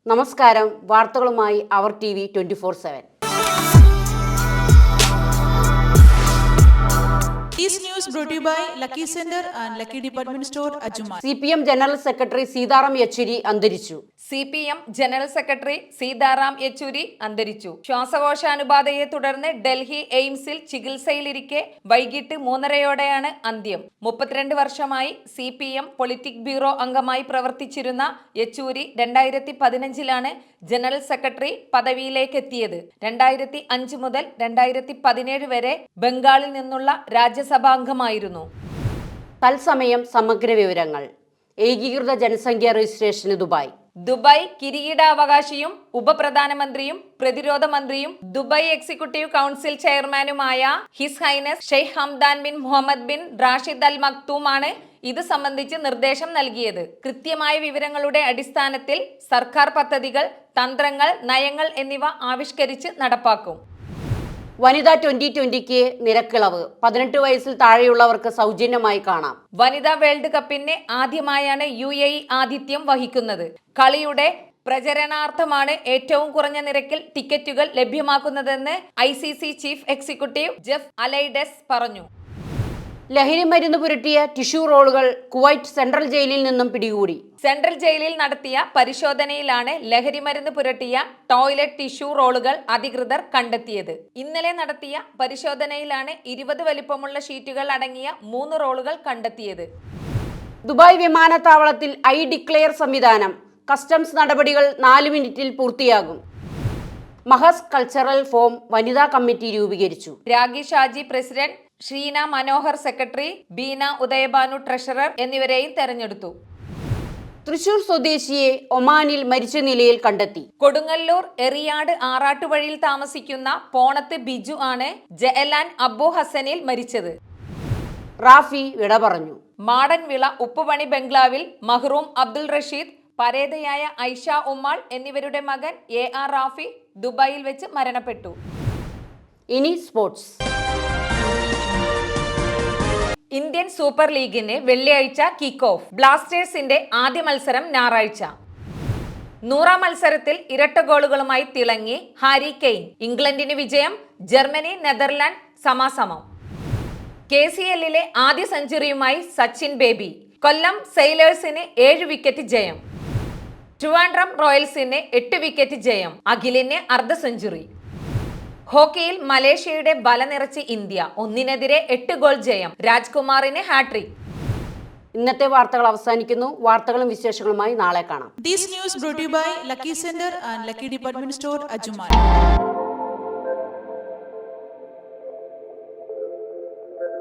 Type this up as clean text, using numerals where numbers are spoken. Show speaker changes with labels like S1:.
S1: നമസ്കാരം, വാർത്തകളുമായി അവർ TV 24/7.
S2: This news brought to you by Lucky Center and Lucky Department Store, Ajuma.
S1: CPM general secretary Sitaram Yechury അന്തരിച്ചു.
S3: CPM general secretary Sitaram Yechury അന്തരിച്ചു. ശ്വാസകോശാനുബാധയെ തുടർന്ന് ഡൽഹി എയിംസിൽ ചികിത്സയിലിരിക്കെ വൈകിട്ട് 3:30 അന്ത്യം. 32 വർഷമായി CPM പൊളിറ്റിക് ബ്യൂറോ അംഗമായി പ്രവർത്തിച്ചിരുന്ന യെച്ചൂരി 2015 ജനറൽ സെക്രട്ടറി പദവിയിലേക്ക് എത്തിയത്. 2005 മുതൽ 2017 വരെ ബംഗാളിൽ നിന്നുള്ള രാജ്യസഭാംഗമായിരുന്നു.
S1: തത്സമയം സമഗ്ര വിവരങ്ങൾ. ഏകീകൃത ജനസംഖ്യാ രജിസ്ട്രേഷന്
S3: ദുബായ് കിരീടാവകാശിയും ഉപപ്രധാനമന്ത്രിയും പ്രതിരോധ മന്ത്രിയും ദുബായ് എക്സിക്യൂട്ടീവ് കൗൺസിൽ ചെയർമാനുമായ his highness Sheikh Hamdan bin Mohammed bin Rashid Al മക്തൂമാണ് ഇത് സംബന്ധിച്ച് നിർദ്ദേശം നൽകിയത്. കൃത്യമായ വിവരങ്ങളുടെ അടിസ്ഥാനത്തിൽ സർക്കാർ പദ്ധതികൾ, തന്ത്രങ്ങൾ, നയങ്ങൾ എന്നിവ ആവിഷ്കരിച്ച് നടപ്പാക്കും.
S1: വനിതാ 2020 നിരക്കിളവ്. 18 വയസ്സിൽ താഴെയുള്ളവർക്ക് സൗജന്യമായി കാണാം.
S3: വനിതാ വേൾഡ് കപ്പിന് ആദ്യമായാണ് UAE ആതിഥ്യം വഹിക്കുന്നത്. കളിയുടെ പ്രചരണാർത്ഥമാണ് ഏറ്റവും കുറഞ്ഞ നിരക്കിൽ ടിക്കറ്റുകൾ ലഭ്യമാക്കുന്നതെന്ന് ICC chief executive Geoff Allardice പറഞ്ഞു.
S1: ലഹരി മരുന്ന് പുരട്ടിയ ടിഷ്യൂ റോളുകൾ കുവൈറ്റ് സെൻട്രൽ ജയിലിൽ നിന്നും പിടികൂടി.
S3: സെൻട്രൽ ജയിലിൽ നടത്തിയ പരിശോധനയിലാണ് ലഹരി മരുന്ന് പുരട്ടിയ ടോയ്ലറ്റ് ടിഷ്യൂ റോളുകൾ അധികൃതർ കണ്ടെത്തിയത്. ഇന്നലെ നടത്തിയ പരിശോധനയിലാണ് 20 വലിപ്പമുള്ള ഷീറ്റുകൾ അടങ്ങിയ 3 റോളുകൾ കണ്ടെത്തിയത്.
S1: ദുബായ് വിമാനത്താവളത്തിൽ ഐ ഡിക്ലെയർ സംവിധാനം. കസ്റ്റംസ് നടപടികൾ 4 മിനിറ്റിൽ പൂർത്തിയാകും. മഹസ് കൾച്ചറൽ ഫോം വനിതാ കമ്മിറ്റി രൂപീകരിച്ചു.
S3: Ragi Shaji president, Sheena Manohar secretary, Beena Udayabhanu treasurer എന്നിവരെയും തെരഞ്ഞെടുത്തു.
S1: തൃശൂർ സ്വദേശിയെ ഒമാനിൽ മരിച്ച നിലയിൽ കണ്ടെത്തി.
S3: കൊടുങ്ങല്ലൂർ എറിയാട് ആറാട്ടുവഴിയിൽ താമസിക്കുന്ന പോണത്ത് ബിജു ആണ് ജയലാൻ അബു ഹസനിൽ മരിച്ചത്.
S1: റാഫി വിട പറഞ്ഞു.
S3: മാടൻവിള ഉപ്പുപണി ബംഗ്ലാവിൽ മഹ്റൂം അബ്ദുൾ റഷീദ്, പരേതയായ ഐഷ ഉമ്മാൾ എന്നിവരുടെ മകൻ AR റാഫി ദുബായിൽ വെച്ച് മരണപ്പെട്ടു.
S1: ഇനി സ്പോർട്സ്.
S3: ഇന്ത്യൻ സൂപ്പർ ലീഗിന് വെള്ളിയാഴ്ച കിക്ക് ഓഫ്. ബ്ലാസ്റ്റേഴ്സിന്റെ ആദ്യ മത്സരം ഞായറാഴ്ച. 100ാം മത്സരത്തിൽ ഇരട്ട ഗോളുകളുമായി തിളങ്ങി ഹാരി കെയ്ൻ. ഇംഗ്ലണ്ടിന് വിജയം. ജർമ്മനി നെതർലാൻഡ് സമാസമം. KCLലെ ആദ്യ സെഞ്ചുറിയുമായി സച്ചിൻ ബേബി. കൊല്ലം സെയിലേഴ്സിന് 7 വിക്കറ്റ് ജയം. ട്രിവാൻഡ്രം റോയൽസിന് 8 വിക്കറ്റ് ജയം. അഖിലിന് അർദ്ധ സെഞ്ചുറി. ഹോക്കിയിൽ മലേഷ്യയുടെ ബല നിറച്ച് ഇന്ത്യ. 1-നെതിരെ 8 ഗോൾ ജയം. രാജ്കുമാറിന് ഹാട്രിക്.
S1: ഇന്നത്തെ വാർത്തകൾ അവസാനിക്കുന്നു. വാർത്തകളും വിശേഷങ്ങളുമായി നാളെ കാണാം.
S2: This news brought to you by Lucky Center and Lucky Department Store, Ajuma.